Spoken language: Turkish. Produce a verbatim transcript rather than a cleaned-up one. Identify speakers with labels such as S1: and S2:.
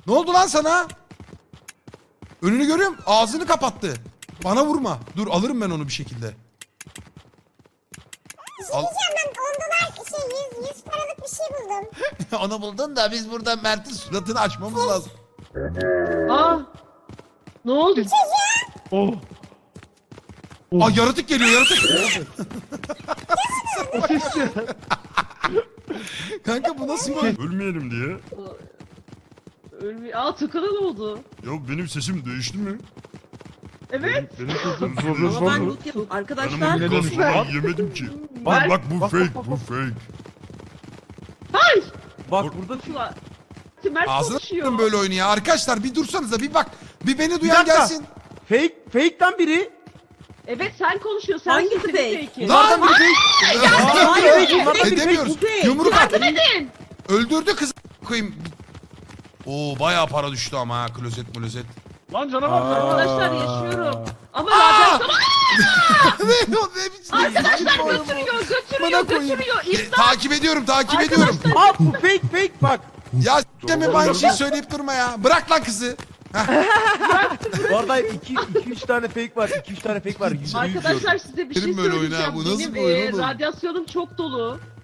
S1: Ne oldu lan sana? Önünü görüyorum. Ağzını kapattı. Bana vurma. Dur alırım ben onu bir şekilde.
S2: Bir şey
S1: Al.
S2: diyeceğim ben on dolar şey yüz, yüz paralık bir şey buldum.
S1: Onu buldun da biz burada Mert'in suratını açmamız lazım.
S3: Aa. Ne oldu?
S4: Oh.
S1: Aa yaratık geliyor yaratık.
S4: O sesçi.
S1: Kanka bu nasıl bir...
S5: Ölmeyelim diye.
S3: Ölmüyor. Aa Tukan'a ne oldu?
S5: Ya benim sesim değişti mi?
S3: Evet.
S5: Benim sesim
S4: Problem
S6: Ama
S4: var
S6: ben
S4: mı?
S6: loot yapıyorum.
S5: Ben
S6: Arkadaşlar
S5: onu
S4: Yine
S5: gaz
S4: dönüş.
S5: falan yemedim ki.
S3: Bak,
S5: Bak, bak bu
S4: bak,
S5: fake,
S4: bak,
S5: bu
S4: bak.
S5: fake.
S3: Ay.
S4: Bak burada
S3: Ulan. Mert
S1: Ağzına
S3: konuşuyor.
S1: s**tım böyle oyunu ya. Arkadaşlar bir dursanıza bir bak. Bir beni
S4: bir
S1: duyan
S4: dakika.
S1: gelsin.
S4: Fake, fake'ten biri.
S3: Evet sen konuşuyorsun. Sen
S6: Hangisi
S3: kimsin?
S6: fake?
S3: Fake'i?
S4: Bunlardan biri fake. Aa,
S6: Hayır,
S4: fake,
S6: hayır,
S4: bunlardan biri fake.
S1: Edemiyoruz.
S6: bu fake.
S1: Yumruk at.
S3: Yardım edin.
S1: Öldürdü kızı koyayım. Oo bayağı para düştü ama ha klozet klozet.
S4: Lan canavar.
S3: Arkadaşlar yaşıyorum. Ama radyasyon...
S1: ne o ne biçim?
S3: Arkadaşlar
S1: Kim oyun bu?
S3: götürüyor,
S1: Bana
S3: götürüyor,
S1: koyayım.
S3: götürüyor.
S1: E,
S3: İmdat.
S1: takip ediyorum takip ediyorum.
S4: Aa bu fake fake bak.
S1: Ya s**teme aynı şeyi söyleyip durma ya. Bırak lan kızı.
S4: Bu arada iki üç tane fake var. iki üç tane fake var. Yüzde yüz
S3: Arkadaşlar
S4: diyorum.
S3: size bir şey
S1: Benim böyle oyunu ha,
S3: söyleyeceğim.
S1: bu nasıl
S3: Benim
S1: bir oyun
S3: e,
S1: oğlum?
S3: radyasyonum çok dolu.